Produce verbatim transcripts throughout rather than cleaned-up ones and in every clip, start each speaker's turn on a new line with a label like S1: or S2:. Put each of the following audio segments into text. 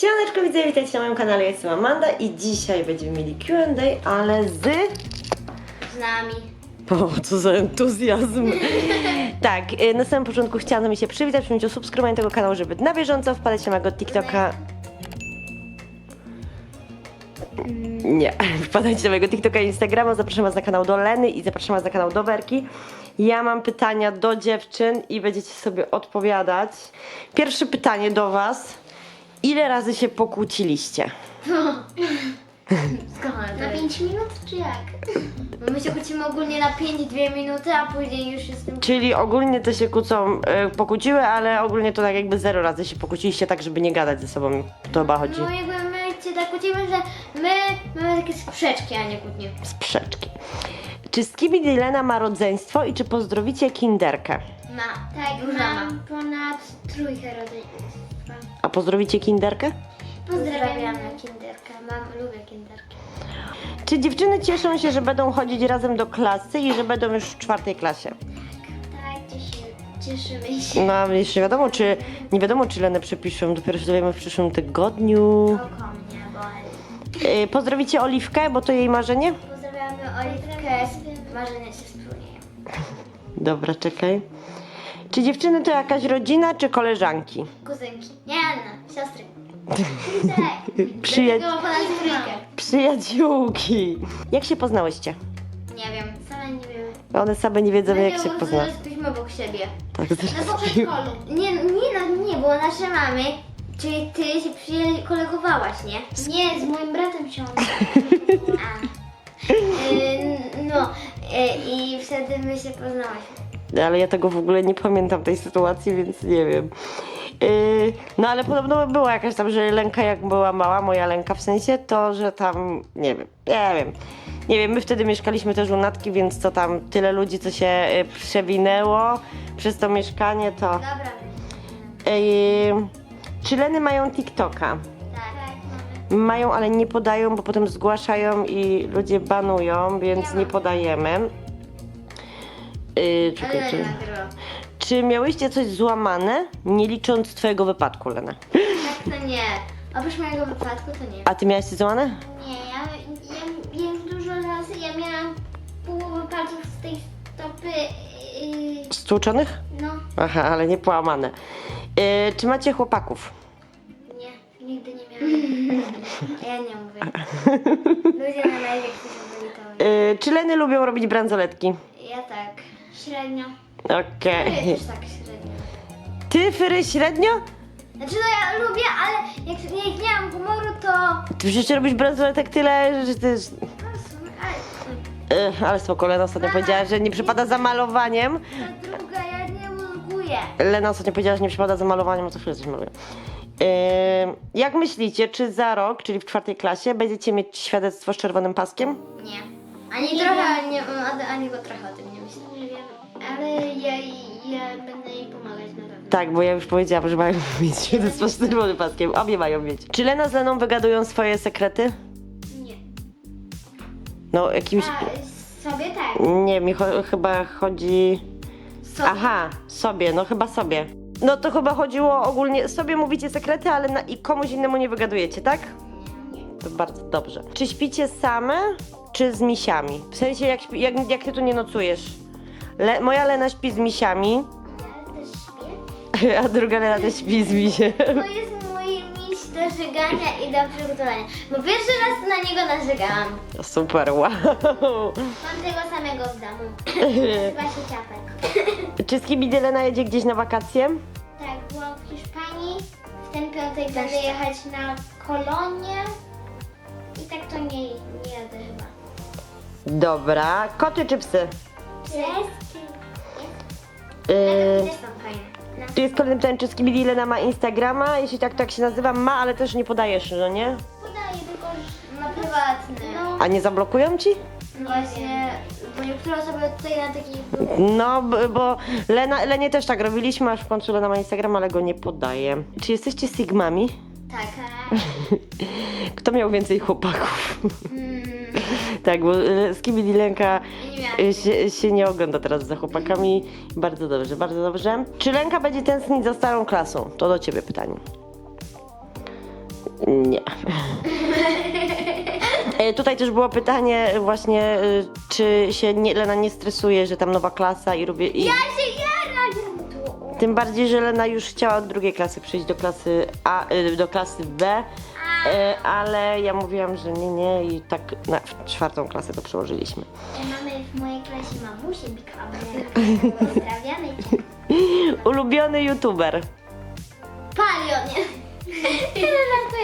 S1: Siemaneczko, widzę, witajcie na moim kanale, ja jestem Amanda i dzisiaj będziemy mieli Q and A, ale z...
S2: Z nami.
S1: O, co za entuzjazm. Tak, na samym początku chciałam mi się przywitać, przyjąć o subskrybowanie tego kanału, żeby na bieżąco wpadać na mojego TikToka. Nie, wpadajcie na mojego TikToka i Instagrama, zapraszam was na kanał do Leny i zapraszam was na kanał do Werki. Ja mam pytania do dziewczyn i będziecie sobie odpowiadać. Pierwsze pytanie do was. Ile razy się pokłóciliście?
S2: Skąd? Na pięć minut czy jak? Bo my się kłócimy ogólnie na pięć dwie minuty, a później już jestem...
S1: Czyli ogólnie to się kłócą, y, pokłóciły, ale ogólnie to tak jakby zero razy się pokłóciliście tak, żeby nie gadać ze sobą. To chyba chodzi.
S2: No jakby my się tak kłócimy, że my mamy takie sprzeczki, a nie kłótnie.
S1: Sprzeczki. Czy Skibidi Lena ma rodzeństwo i czy pozdrowicie Kinderkę?
S2: Ma. Tak, Duża mam ma. Ponad trójkę rodzeństwa.
S1: A pozdrowicie Kinderkę?
S2: Pozdrawiamy Kinderkę. Mam, lubię Kinderkę.
S1: Czy dziewczyny cieszą się, że będą chodzić razem do klasy i że będą już w czwartej klasie?
S2: Tak, cieszymy, cieszymy się.
S1: No, ale jeszcze nie wiadomo, czy nie wiadomo, czy Lenę przepiszą. Dopiero się dowiemy w przyszłym tygodniu.
S2: Oko mnie boli.
S1: Yy, pozdrowicie Oliwkę, bo to jej marzenie?
S2: Pozdrawiamy Oliwkę, marzenia się spełniają.
S1: Dobra, czekaj. Czy dziewczyny to jakaś rodzina, czy koleżanki?
S2: Kuzynki. Nie, Anna, siostry. Tak.
S1: Przyja-
S2: Dlatego ponad trójkę.
S1: Przyjaciółki. Jak się poznałyście?
S2: Nie wiem, same nie wiemy.
S1: One same nie wiedzą, jak się
S2: Dlatego
S1: poznały.
S2: jesteśmy obok siebie.
S1: Tak,
S2: No
S1: zresztą.
S2: po przedszkolu. Nie, nie, no nie, bo nasze mamy, czyli ty się przyje- kolegowałaś, nie? Nie, z moim bratem się A. Y, No, y, i wtedy my się poznałyśmy.
S1: Ale ja tego w ogóle nie pamiętam tej sytuacji, więc nie wiem. Yy, no ale podobno była jakaś tam, że Lenka jak była mała, moja Lenka w sensie, to że tam, nie wiem, nie wiem. Nie wiem, my wtedy mieszkaliśmy też u Natki, więc to tam tyle ludzi, co się y, przewinęło przez to mieszkanie, to...
S2: Dobra.
S1: Yy, czy Leny mają TikToka?
S2: Tak, tak, mamy.
S1: Mają, ale nie podają, bo potem zgłaszają i ludzie banują, więc
S2: Nie
S1: nie
S2: mam.
S1: podajemy. Yy, czekaj,
S2: Ale
S1: czy,
S2: nie nagrywa.
S1: czy miałyście coś złamane, nie licząc twojego wypadku, Lena?
S2: Tak, to nie. Oprócz mojego wypadku to nie.
S1: A ty miałaś coś złamane?
S2: Nie, ja, ja, ja już dużo razy, ja miałam połowę palców z tej stopy, yy,
S1: Stłuczonych?
S2: no
S1: Aha, ale nie połamane. Yy, czy macie chłopaków?
S2: nie, nigdy nie miałam. A ja nie mówię. Ludzie na live jak się byli to
S1: Yy, czy Leny lubią robić bransoletki?
S2: ja tak. Średnio.
S1: Okej.
S2: Ja też tak średnio.
S1: Ty, Fyry, średnio?
S2: Znaczy no ja lubię, ale jak nie, nie mam humoru to...
S1: Ty przecież robisz bransoletek tyle, że ty...
S2: No, w sumie, ale
S1: Yy, ale spoko, Lena ostatnio powiedziała, że nie przypada za malowaniem.
S2: ta druga, ja nie mózguję.
S1: Lena ostatnio powiedziała, że nie przypada za malowaniem, a co chwilę coś maluje. Yy, jak myślicie, czy za rok, czyli w czwartej klasie, będziecie mieć świadectwo z czerwonym paskiem?
S2: Nie. Ani nie trochę, ani, ani, ani go trochę o tym nie myślę. Nie wiem, ale ja, ja będę jej pomagać na pewno.
S1: Tak, bo ja już powiedziałam, że mają mieć świadectwo z czerwonym paskiem. Obie mają mieć. Czy Lena z Leną wygadują swoje sekrety?
S2: Nie.
S1: No, jakimś...
S2: A, sobie tak.
S1: Nie, mi cho- chyba chodzi...
S2: Sobie.
S1: Aha, sobie, no chyba sobie. No to chyba chodziło ogólnie, sobie mówicie sekrety, ale na, i komuś innemu nie wygadujecie, tak?
S2: Nie.
S1: To bardzo dobrze. Czy śpicie same, czy z misiami? W sensie, jak, śpi, jak, jak ty tu nie nocujesz? Le, moja Lena śpi z misiami,
S2: Ja też śpię.
S1: a druga Lena też śpi z misiem.
S2: To jest mój miś do żegania i do przygotowania. Bo pierwszy raz na niego narzegałam.
S1: Super, wow.
S2: Mam tego samego w domu. Nazywa się Ciapek.
S1: Czy Skibidi Lena jedzie gdzieś na wakacje?
S2: Tak, byłam w Hiszpanii. W ten piątek będę jechać na Kolonię. I tak to nie, nie jadę chyba.
S1: Dobra. Koty czy psy?
S2: Wszystkie.
S1: Yy,
S2: Też są fajne. No.
S1: tu jest kolejne pytanie, czy Skibidi Lena ma Instagrama? Jeśli tak, to jak się nazywa? Ma, ale też nie podajesz, no nie?
S2: Podaję tylko na prywatny. No.
S1: A nie zablokują ci?
S2: Właśnie, bo niektóre osoby tutaj na takich...
S1: No, b- bo Lena, Lenie też tak robiliśmy, aż w końcu Lena ma Instagram, ale go nie podaje. Czy jesteście Sigmami?
S2: Tak.
S1: Kto miał więcej chłopaków?
S2: Mm,
S1: Tak, bo e, Skibidi Lenka
S2: nie miałam.
S1: e, się, się nie ogląda teraz za chłopakami. Bardzo dobrze, bardzo dobrze. Czy Lenka będzie tęsknić za starą klasą? To do ciebie pytanie. Nie. E, Tutaj też było pytanie właśnie, e, czy się nie, Lena nie stresuje, że tam nowa klasa i robię... I...
S2: Ja się jaram tu.
S1: Tym bardziej, że Lena już chciała od drugiej klasy przyjść do klasy A, e, do klasy B, e, ale ja mówiłam, że nie, nie i tak na czwartą klasę to przełożyliśmy.
S2: Mamy w mojej klasie mamusię Bikamer. Pozdrawiamy cię.
S1: Ulubiony youtuber.
S2: Palion, nie? Tyle żartuję.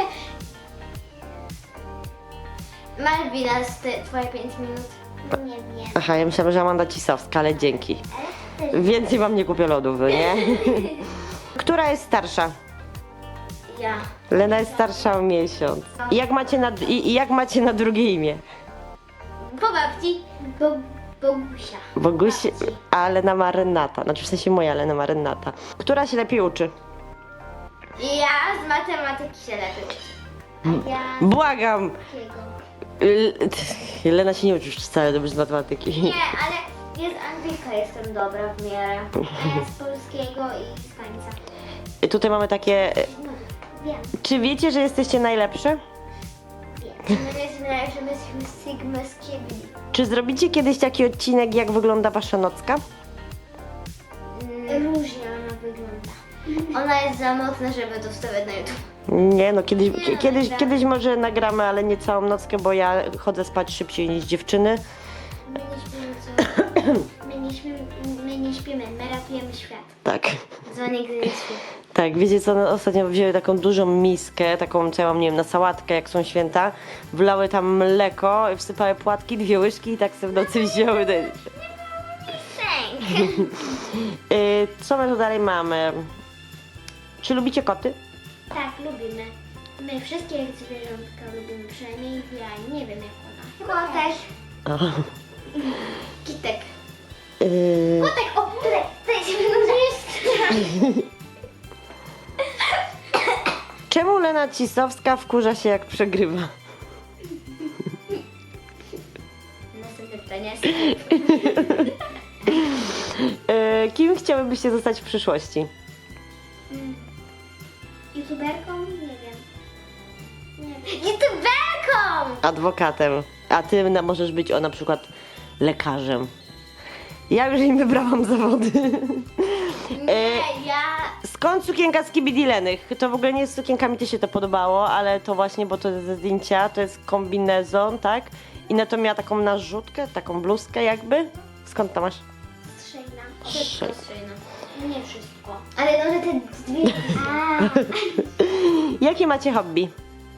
S2: Malwina, z te, twoje pięć minut. Nie wiem.
S1: Aha, ja myślałam, że Amanda Cisowska, ale dzięki.
S2: Ale też
S1: Więcej wam nie kupię lodów, nie? Która jest starsza?
S2: ja.
S1: Lena jest starsza o miesiąc. I jak macie na, i, i jak macie na drugie imię?
S2: Po babci. Bo, Bogusia.
S1: Boguś, a Lena ma Renata. Znaczy w sensie moja Lena ma Renata. Która się lepiej uczy?
S2: Ja z matematyki się lepiej uczę. A ja
S1: Błagam!
S2: z jakiego?
S1: L- Lena się nie uczy już wcale dobrze z matematyki.
S2: Nie, ale jest Anglika, jestem dobra w miarę. A ja z polskiego i z tańca.
S1: Tutaj mamy takie...
S2: No, wiem,
S1: Czy wiecie, że jesteście najlepsze?
S2: wiem. My jesteśmy najlepsze, my jesteśmy Sigma z Kiebli.
S1: Czy zrobicie kiedyś taki odcinek, jak wygląda wasza nocka?
S2: Różnie ona wygląda. Ona jest za mocna, żeby to wstawiać na YouTube.
S1: Nie, no kiedyś,
S2: Nie,
S1: kie- kiedyś,
S2: nagramy.
S1: kiedyś może nagramy, ale nie całą nockę, bo ja chodzę spać szybciej niż dziewczyny.
S2: My nie śpimy, co? My nie śpimy, my nie śpimy, my ratujemy świat.
S1: Tak.
S2: Co nigdy nie śpi.
S1: Tak, wiecie co, no, ostatnio wzięły taką dużą miskę, taką co ja mam, nie wiem, na sałatkę, jak są święta, wlały tam mleko, wsypały płatki, dwie łyżki i tak sobie w nocy wzięły.
S2: Thank.
S1: Yy, co my tu dalej mamy? Czy lubicie koty?
S2: Tak, lubimy. My wszystkie zwierzątka lubimy, przynajmniej ja, nie wiem jak ona. Kotek.
S1: O.
S2: Kitek.
S1: Yy,
S2: Kotek, o, tutaj, tutaj się jest.
S1: czemu Lena Cisowska wkurza się, jak przegrywa?
S2: Następne pytanie.
S1: Yy, kim chciałybyście zostać w przyszłości?
S2: YouTuberką? Nie wiem. Nie wiem. YouTuberką!
S1: Adwokatem. A ty na- możesz być o na przykład lekarzem. Ja już im wybrałam zawody.
S2: Nie, ja...
S1: Skąd sukienka z Kibidilenych? To w ogóle nie z sukienkami, ty się to podobało, ale to właśnie, bo to jest ze zdjęcia, to jest kombinezon, tak? I na to miała taką narzutkę, taką bluzkę jakby. Skąd to masz?
S2: Strzejna.
S1: Strzej-
S2: Wszystko strzejna. Nie wszystko. Ale no, że te dwie... A,
S1: Jakie macie hobby?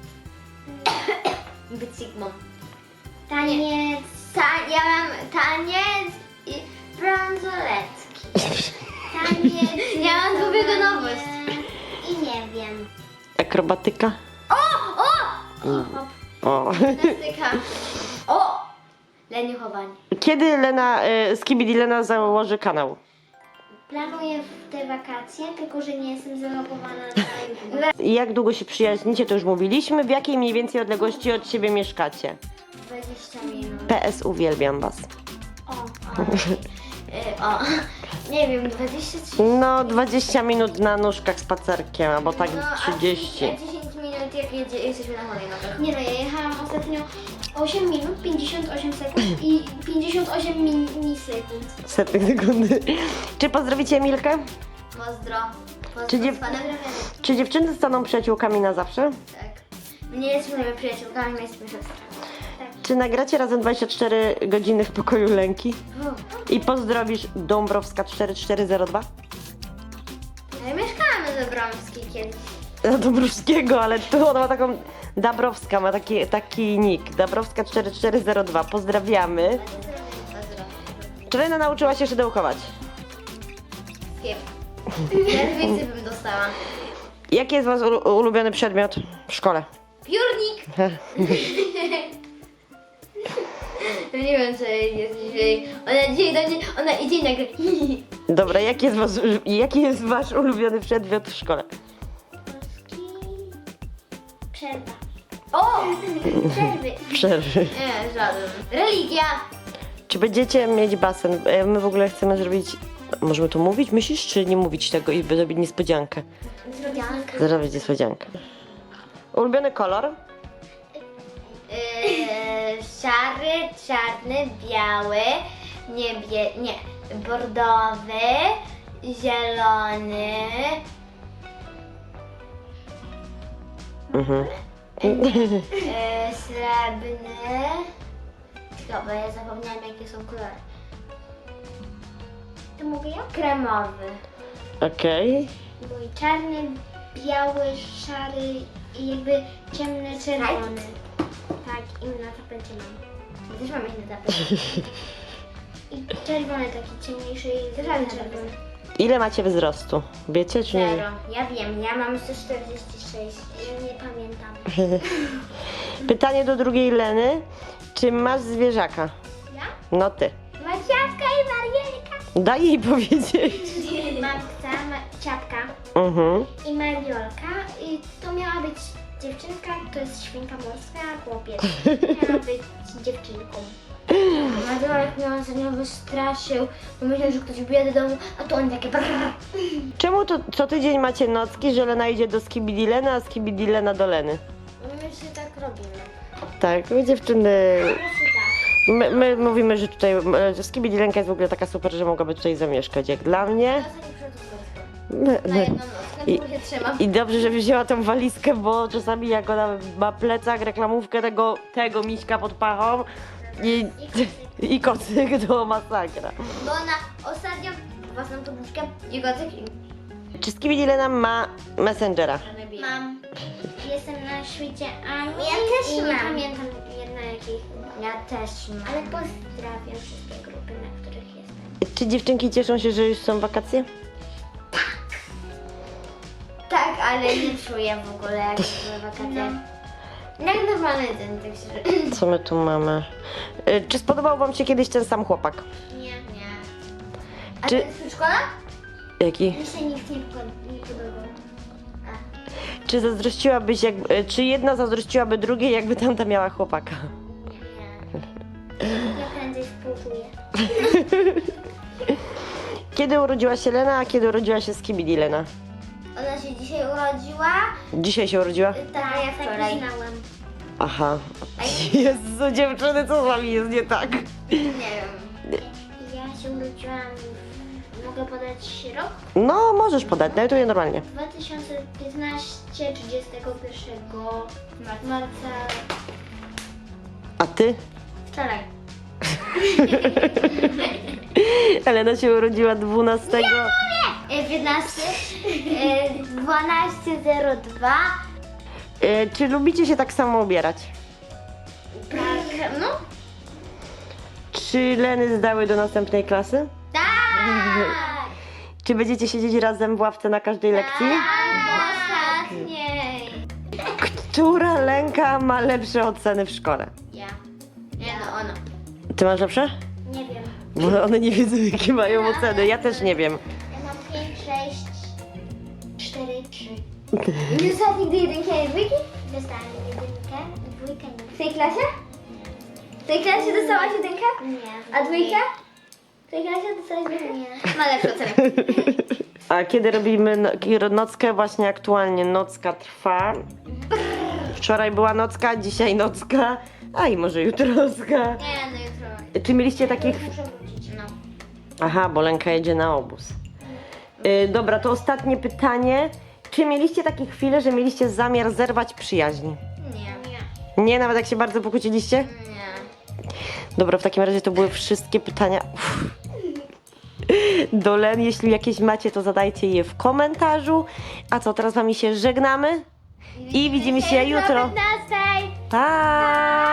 S2: być Sigmą. Taniec. Ta, ja mam taniec i bransoletki. Taniec. Ja mam dwubiegunowość. I nie wiem.
S1: Akrobatyka?
S2: O! O! O!
S1: O.
S2: Gimnastyka. O! Leniuchowanie.
S1: Kiedy Lena, y, z Kibidilena założy kanał?
S2: Planuję w te wakacje, tylko że nie jestem zalogowana na YouTube.
S1: I jak długo się przyjaźnicie, to już mówiliśmy. W jakiej mniej więcej odległości od siebie mieszkacie?
S2: dwadzieścia minut.
S1: P S uwielbiam was.
S2: O, o. Y, o. Nie wiem, dwadzieścia trzy.
S1: No, dwadzieścia minut na nóżkach spacerkiem, albo tak
S2: No, a
S1: trzydzieści.
S2: A dziesięć minut jak jedzie, jesteśmy na hulajnogach. Nie no, ja jechałam ostatnio osiem minut, pięćdziesiąt osiem sekund i pięćdziesiąt osiem milisekund.
S1: Setnych sekundy. Czy pozdrowicie Emilkę?
S2: Pozdro. Pozdro
S1: Czy dziew-
S2: z panem Rewenem.
S1: Czy dziewczyny staną przyjaciółkami na zawsze?
S2: Tak. My nie jesteśmy przyjaciółkami, my jesteśmy siostrami. Tak.
S1: Czy nagracie razem dwadzieścia cztery godziny w pokoju Lenki?
S2: O.
S1: I pozdrowisz Dąbrowska cztery cztery zero dwa?
S2: Ja mieszkamy we Bromskiej kiedyś.
S1: No, Dąbrowskiego, ale tu ona ma taką... Dabrowska ma taki, taki nick. Dabrowska cztery cztery zero dwa. Pozdrawiamy.
S2: Pozdro.
S1: Czy Lena nauczyła się szydełkować?
S2: Wiem. Ja więcej bym dostała.
S1: Jaki jest wasz ulu- ulubiony przedmiot w szkole?
S2: Piórnik! Nie wiem, co jej jest dzisiaj. Ona dzisiaj do mnie, ona idzie i nagle.
S1: Dobra, jaki jest, wasz, jaki jest wasz ulubiony przedmiot w szkole?
S2: Przerwa. O! Przerwy.
S1: Przerwy.
S2: Nie, żaden. Religia.
S1: Czy będziecie mieć basen? E, My w ogóle chcemy zrobić... Możemy to mówić, myślisz, czy nie mówić tego i zrobić niespodziankę?
S2: Zrobianka.
S1: Zrobić niespodziankę. Ulubiony kolor?
S2: Yy, szary, czarny, biały, niebie... nie, bordowy, zielony,
S1: Mhm.
S2: yy, srebrny. Tylko, bo ja zapomniałam jakie są kolory. To mogę ja? Kremowy.
S1: Okej.
S2: Mój czarny, biały, szary i jakby ciemny czerwony. Tak, i na tapecie mam. Ja też mam inny tapet. I czerwony taki ciemniejszy i też mam czerwony.
S1: Ile macie wzrostu? Wiecie czy nie?
S2: Zero. Ja wiem, ja mam sto czterdzieści sześć. Ja nie pamiętam.
S1: Pytanie do drugiej Leny. Czy masz zwierzaka?
S2: Ja?
S1: No ty.
S2: Maciapka i Marielka.
S1: Daj jej powiedzieć.
S2: Mam psa, ma- ciapka
S1: Mhm.
S2: i Mariolka. I to miała być dziewczynka, to jest świnka morska, a chłopiec miała być dziewczynką. Mariolek mnie ostatnio wystraszył, bo myślał, że ktoś wbije do domu, a to on takie brrr.
S1: Czemu to co tydzień macie nocki, że Lena idzie do Skibidilena, a Skibidilena do Leny?
S2: My się tak robimy.
S1: Tak, my dziewczyny...
S2: Po prostu tak.
S1: My, my mówimy, że tutaj e, Skibidilenka jest w ogóle taka super, że mogłaby tutaj zamieszkać, jak dla mnie.
S2: Ostatnio przyszedł z wojska.
S1: My,
S2: Na
S1: my.
S2: jedną noc, na
S1: I-
S2: którą się trzymam.
S1: I dobrze, że wzięła tą walizkę, bo czasami jak ona ma plecak, reklamówkę tego, tego miśka pod pachą i, i kocyk to masakra.
S2: Bo ona ostatnio własną poduszkę i kocyk i...
S1: Czy Skibidilena ma Messengera?
S2: Mam. Jestem na świecie Ani. Ja też i mam. Nie pamiętam jedna jakich. Ja też mam. Ale pozdrawiam wszystkie grupy, na których jestem.
S1: Czy dziewczynki cieszą się, że już są wakacje?
S2: Tak, ale nie czuję w ogóle jak były wakacje. No. Jak normalny dzień, tak się...
S1: Co my tu mamy? E, Czy spodobał wam się kiedyś ten sam chłopak?
S2: Nie. Nie. A
S1: Czy-
S2: to jest przedszkola?
S1: Jaki?
S2: Mi się nikt nie, po- nie podobał. A,
S1: Czy zazdrościłabyś, jak, e, czy jedna zazdrościłaby drugiej, jakby tamta miała chłopaka?
S2: nie. Ja prędzej współczuję.
S1: Kiedy urodziła się Lena, a kiedy urodziła się Skibidilena?
S2: Ona się dzisiaj urodziła.
S1: Dzisiaj się urodziła?
S2: Tak, ja wczoraj. znałem.
S1: Aha. Jezu, dziewczyny, co z wami jest nie tak?
S2: Nie wiem. Ja się urodziłam, mogę podać rok?
S1: No, możesz podać, dajtuję normalnie.
S2: dwa tysiące piętnaście, trzydziestego pierwszego marca.
S1: A ty?
S2: Wczoraj.
S1: Elena się urodziła dwunastego.
S2: piętnaście, dwanaście zero dwa.
S1: E, Czy lubicie się tak samo ubierać?
S2: Tak, no.
S1: Czy Leny zdały do następnej klasy?
S2: Tak!
S1: Czy będziecie siedzieć razem w ławce na każdej lekcji?
S2: Tak, w ostatniej.
S1: Która Lenka ma lepsze oceny w szkole?
S2: Ja. Nie no, ona.
S1: Ty masz lepsze?
S2: Nie wiem.
S1: Bo one nie wiedzą, jakie mają oceny. Ja też nie wiem.
S2: Ja mam pięć, sześć, cztery, trzy. Nie dostałeś nigdy jedynki ani dwójki? Dostałam jedynkę, dwójkę nie. W tej klasie? W tej klasie dostałaś jedynkę? Nie. A dwójkę? W tej klasie dostałaś dwójkę? Nie. Ma lepsze oceny.
S1: A kiedy robimy no- nockę? Właśnie aktualnie nocka trwa. Wczoraj była nocka, dzisiaj nocka, a i może jutro nocka.
S2: Nie, no jutro.
S1: Czy mieliście takich...
S2: Muszę wrócić. No.
S1: Aha, bo Lenka jedzie na obóz. Yy, dobra, to ostatnie pytanie. Czy mieliście takie chwile, że mieliście zamiar zerwać przyjaźń?
S2: Nie. Nie.
S1: Nie, nawet jak się bardzo pokłóciliście?
S2: Nie.
S1: Dobra, w takim razie to były wszystkie pytania. Uff. Do Len, jeśli jakieś macie, to zadajcie je w komentarzu. A co, teraz wami się żegnamy i widzimy się jutro.
S2: piętnastej.
S1: Pa!